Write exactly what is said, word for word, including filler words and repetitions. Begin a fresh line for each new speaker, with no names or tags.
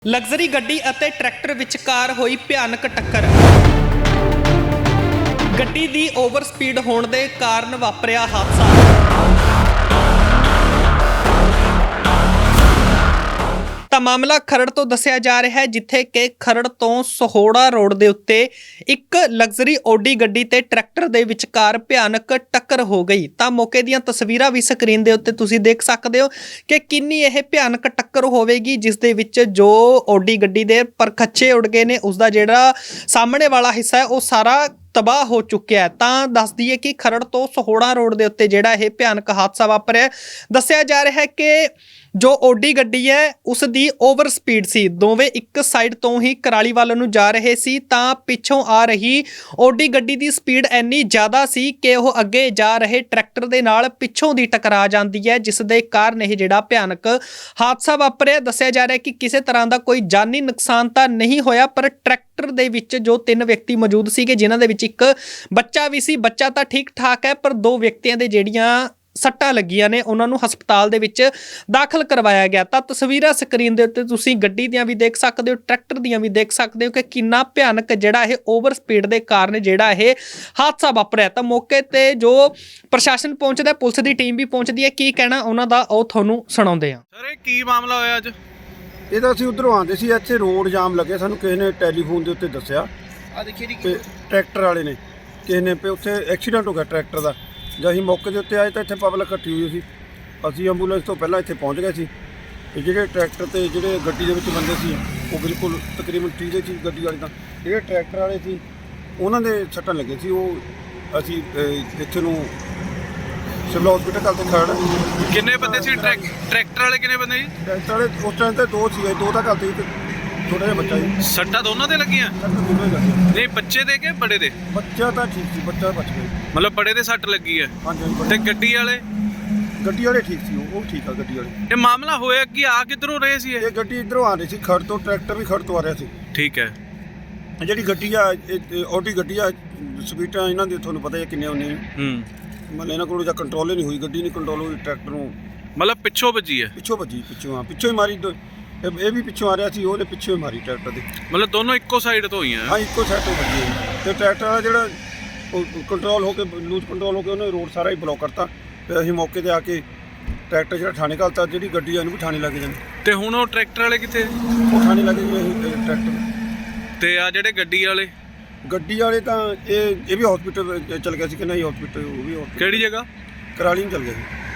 Luxury ਗੱਡੀ ਅਤੇ tractor ਵਿਚਕਾਰ ਹੋਈ ਭਿਆਨਕ ਟੱਕਰ। ਗੱਡੀ ਦੀ ਓਵਰ ਸਪੀਡ ਹੋਣ ਦੇ ਕਾਰਨ ਵਾਪਰਿਆ ਹਾਦਸਾ। ਤਾਂ ਮਾਮਲਾ ਖਰੜ ਤੋਂ ਦੱਸਿਆ ਜਾ ਰਿਹਾ ਹੈ, ਜਿੱਥੇ ਕਿ ਖਰੜ ਤੋਂ ਸਹੋੜਾ ਰੋਡ ਦੇ ਉੱਤੇ ਇੱਕ ਲਗਜ਼ਰੀ ਓਡੀ ਗੱਡੀ ਤੇ ਟਰੈਕਟਰ ਦੇ ਵਿਚਕਾਰ ਭਿਆਨਕ ਟੱਕਰ ਹੋ ਗਈ। ਤਾਂ ਮੌਕੇ ਦੀਆਂ ਤਸਵੀਰਾਂ ਵੀ ਸਕਰੀਨ ਦੇ ਉੱਤੇ ਤੁਸੀਂ ਦੇਖ ਸਕਦੇ ਹੋ ਕਿ ਕਿੰਨੀ ਇਹ ਭਿਆਨਕ ਟੱਕਰ ਹੋਵੇਗੀ, ਜਿਸ ਦੇ ਵਿੱਚ ਜੋ ਓਡੀ ਗੱਡੀ ਦੇ ਪਰਖੱਚੇ ਉੱਡ ਗਏ ਨੇ, ਉਸਦਾ ਜਿਹੜਾ ਸਾਹਮਣੇ ਵਾਲਾ ਹਿੱਸਾ ਹੈ ਉਹ ਸਾਰਾ ਤਬਾਹ ਹੋ ਚੁੱਕਿਆ ਹੈ। ਤਾਂ ਦੱਸ ਦਈਏ ਕਿ ਖਰੜ ਤੋਂ ਸਹੋੜਾ ਰੋਡ ਦੇ ਉੱਤੇ ਜਿਹੜਾ ਇਹ ਭਿਆਨਕ ਹਾਦਸਾ ਵਾਪਰਿਆ, ਦੱਸਿਆ ਜਾ ਰਿਹਾ ਹੈ ਕਿ ਜੋ ਓਡੀ ਗੱਡੀ ਹੈ ਉਸ ਦੀ ਓਵਰ ਸਪੀਡ ਸੀ। ਦੋਵੇਂ ਇੱਕ ਸਾਈਡ ਤੋਂ ਹੀ ਕਰਾਲੀ ਵੱਲ ਨੂੰ ਜਾ ਰਹੇ ਸੀ, ਤਾਂ ਪਿੱਛੋਂ ਆ ਰਹੀ ਓਡੀ ਗੱਡੀ ਦੀ ਸਪੀਡ ਇੰਨੀ ਜ਼ਿਆਦਾ ਸੀ ਕਿ ਉਹ ਅੱਗੇ ਜਾ ਰਹੇ ਟਰੈਕਟਰ ਦੇ ਨਾਲ ਪਿੱਛੋਂ ਦੀ ਟਕਰਾ ਜਾਂਦੀ ਹੈ, ਜਿਸ ਦੇ ਕਾਰਨ ਇਹ ਜਿਹੜਾ ਭਿਆਨਕ ਹਾਦਸਾ ਵਾਪਰਿਆ। ਦੱਸਿਆ ਜਾ ਰਿਹਾ ਹੈ ਕਿ ਕਿਸੇ ਤਰ੍ਹਾਂ ਦਾ ਕੋਈ ਜਾਨੀ ਨੁਕਸਾਨ ਤਾਂ ਨਹੀਂ ਹੋਇਆ, ਪਰ ਟਰੈਕਟਰ ਦੇ ਵਿੱਚ ਜੋ ਤਿੰਨ ਵਿਅਕਤੀ ਮੌਜੂਦ ਸੀਗੇ, ਜਿਨ੍ਹਾਂ ਦੇ ਵਿੱਚ ਇੱਕ ਬੱਚਾ ਵੀ ਸੀ। ਬੱਚਾ ਤਾਂ ਠੀਕ ਠਾਕ ਹੈ, ਪਰ ਦੋ ਵਿਅਕਤੀਆਂ ਦੇ ਜਿਹੜੀਆਂ ਸੱਟਾਂ ਲੱਗੀਆਂ ਨੇ ਉਹਨਾਂ ਨੂੰ ਹਸਪਤਾਲ ਦੇ ਵਿੱਚ ਦਾਖਲ ਕਰਵਾਇਆ ਗਿਆ। ਤਾਂ ਤਸਵੀਰਾਂ ਸਕਰੀਨ ਦੇ ਉੱਤੇ ਤੁਸੀਂ ਗੱਡੀ ਦੀਆਂ ਵੀ ਦੇਖ ਸਕਦੇ ਹੋ, ਟਰੈਕਟਰ ਦੀਆਂ ਵੀ ਦੇਖ ਸਕਦੇ ਹੋ ਕਿ ਕਿੰਨਾ ਭਿਆਨਕ ਜਿਹੜਾ ਇਹ ਓਵਰ ਸਪੀਡ ਦੇ ਕਾਰਨ ਜਿਹੜਾ ਇਹ ਹਾਦਸਾ ਵਾਪਰਿਆ। ਤਾਂ ਮੌਕੇ ਤੇ ਜੋ ਪ੍ਰਸ਼ਾਸਨ ਪਹੁੰਚਦਾ, ਪੁਲਿਸ ਦੀ ਟੀਮ ਵੀ ਪਹੁੰਚਦੀ ਹੈ, ਕੀ ਕਹਿਣਾ ਉਹਨਾਂ ਦਾ ਉਹ ਤੁਹਾਨੂੰ ਸੁਣਾਉਂਦੇ ਹਾਂ।
ਸਰ, ਇਹ ਕੀ ਮਾਮਲਾ ਹੋਇਆ ਅੱਜ?
ਇਹ ਤਾਂ ਅਸੀਂ ਉਧਰੋਂ ਆਉਂਦੇ ਸੀ, ਇੱਥੇ ਰੋਡ ਜਾਮ ਲੱਗੇ, ਸਾਨੂੰ ਕਿਸੇ ਨੇ ਟੈਲੀਫੋਨ ਦੇ ਉੱਤੇ ਦੱਸਿਆ।
ਆ ਦੇਖੀਏ ਜੀ,
ਤੇ ਟਰੈਕਟਰ ਵਾਲੇ ਨੇ ਕਿਸੇ ਨੇ ਵੀ ਉੱਥੇ ਐਕਸੀਡੈਂਟ ਹੋ ਗਿਆ ਟਰੈਕਟਰ ਦਾ। ਜਦ ਅਸੀਂ ਮੌਕੇ ਦੇ ਉੱਤੇ ਆਏ ਤਾਂ ਇੱਥੇ ਪਬਲਿਕ ਇਕੱਠੀ ਹੋਈ ਸੀ। ਅਸੀਂ ਐਂਬੂਲੈਂਸ ਤੋਂ ਪਹਿਲਾਂ ਇੱਥੇ ਪਹੁੰਚ ਗਏ ਸੀ। ਤੇ ਜਿਹੜੇ ਟਰੈਕਟਰ ਤੇ ਜਿਹੜੇ ਗੱਡੀ ਦੇ ਵਿੱਚ ਬੰਦੇ ਸੀ ਉਹ ਬਿਲਕੁਲ ਤਕਰੀਬਨ ਠੀਕ ਸੀ। ਗੱਡੀ ਵਾਲੇ ਤਾਂ ਜਿਹੜੇ ਟਰੈਕਟਰ ਵਾਲੇ ਸੀ ਉਹਨਾਂ ਦੇ ਸੱਟਾਂ ਲੱਗੇ ਸੀ। ਉਹ ਅਸੀਂ ਇੱਥੇ ਨੂੰ ਸਿਵਲ ਹਸਪੀਟਲ ਕੱਲ ਤੇ ਖੜ੍ਹ।
ਕਿੰਨੇ ਬੰਦੇ ਸੀ? ਟਰੈਕਟਰ ਵਾਲੇ ਕਿੰਨੇ ਬੰਦੇ ਜੀ?
ਟਰੈਕਟਰ ਵਾਲੇ ਉਸ ਟਾਈਮ ਤੇ ਦੋ ਸੀ, ਦੋ ਤਾਂ ਕੱਲ ਤੇ ਛੋਟਾ ਜਿਹਾ ਬੱਚਾ ਜੀ।
ਸੱਟਾਂ ਦੋਨਾਂ ਤੇ ਲੱਗੀਆਂ? ਨਹੀਂ, ਬੱਚੇ ਦੇ ਕੇ ਬੜੇ ਦੇ?
ਬੱਚਾ ਤਾਂ ਠੀਕ ਸੀ, ਬੱਚਾ ਬਚ ਗਿਆ।
ਮਤਲਬ ਬੜੇ ਦੇ ਸੱਟ ਲੱਗੀ ਹੈ?
ਹਾਂਜੀ।
ਤੇ ਗੱਡੀ ਵਾਲੇ?
ਗੱਡੀ ਵਾਲੇ ਠੀਕ ਸੀ, ਉਹ ਠੀਕ ਆ ਗੱਡੀ ਵਾਲੇ।
ਇਹ ਮਾਮਲਾ ਹੋਇਆ ਕਿ ਆ ਕਿੱਧਰੋਂ ਰਹੇ ਸੀ ਇਹ?
ਇਹ ਗੱਡੀ ਇੱਧਰੋਂ ਆ ਰਹੀ ਸੀ, ਖੜ ਤੋਂ, ਟਰੈਕਟਰ ਵੀ ਖੜ ਤੋਂ ਆ ਰਿਹਾ ਸੀ।
ਠੀਕ ਹੈ।
ਜਿਹੜੀ ਗੱਡੀ ਆ ਓਡੀ ਗੱਡੀ ਆ, ਸਪੀਡਾਂ ਇਹਨਾਂ ਦੀ ਤੁਹਾਨੂੰ ਪਤਾ ਹੀ ਕਿੰਨੇ ਹੁੰਦੀਆਂ।
ਹੂੰ।
ਮਤਲਬ ਇਹਨਾਂ ਕੋਲੋਂ ਜਾਂ ਕੰਟਰੋਲ ਹੀ ਨਹੀਂ ਹੋਈ, ਗੱਡੀ ਨਹੀਂ ਕੰਟਰੋਲ ਹੋਈ, ਟਰੈਕਟਰ ਨੂੰ
ਮਤਲਬ ਪਿੱਛੋਂ ਵੱਜੀ ਹੈ?
ਪਿੱਛੋਂ ਵੱਜੀ, ਪਿੱਛੋਂ ਆ ਪਿੱਛੋਂ ਹੀ ਮਾਰੀ। ਇਹ ਵੀ ਪਿੱਛੋਂ ਆ ਰਿਹਾ ਸੀ, ਉਹਨੇ ਪਿੱਛੋਂ ਹੀ ਮਾਰੀ ਟਰੈਕਟਰ ਦੇ।
ਮਤਲਬ ਦੋਨੋਂ ਇੱਕੋ ਸਾਈਡ ਤੋਂ ਹੋਈਆਂ?
ਹਾਂ, ਇੱਕੋ ਸਾਈਡ ਤੋਂ ਵੱਜੀ ਹੈ। ਤੇ ਟਰੈਕਟਰ ਵਾਲਾ ਜਿਹੜਾ ਕੰਟਰੋਲ ਹੋ ਕੇ ਲੂਜ਼ ਕੰਟਰੋਲ ਹੋ ਕੇ ਉਹਨੇ ਰੋਡ ਸਾਰਾ ਹੀ ਬਲੌਕ ਕਰਤਾ। ਫਿਰ ਅਸੀਂ ਮੌਕੇ 'ਤੇ ਆ ਕੇ ਟਰੈਕਟਰ ਜਿਹੜਾ ਥਾਣੇ ਘੱਲਤਾ, ਜਿਹੜੀ ਗੱਡੀ ਆ ਉਹਨੂੰ ਵੀ ਥਾਣੇ ਲੱਗ ਜਾਂਦੀ।
ਤੇ ਹੁਣ ਉਹ ਟਰੈਕਟਰ ਵਾਲੇ ਕਿੱਥੇ?
ਉਹ ਥਾਣੇ ਲੱਗ ਗਏ ਅਸੀਂ ਟਰੈਕਟਰ।
ਤੇ ਆ ਜਿਹੜੇ ਗੱਡੀ ਵਾਲੇ?
ਗੱਡੀ ਵਾਲੇ ਤਾਂ ਇਹ ਇਹ ਵੀ ਹਸਪੀਟਲ ਚਲ ਗਿਆ ਸੀ ਕਿ ਨਹੀਂ ਹਸਪੀਟਲ, ਉਹ ਵੀ hospital।
ਕਿਹੜੀ ਜਗ੍ਹਾ?
ਕਰਾਲੀ ਨੂੰ ਚਲ ਗਿਆ ਸੀ।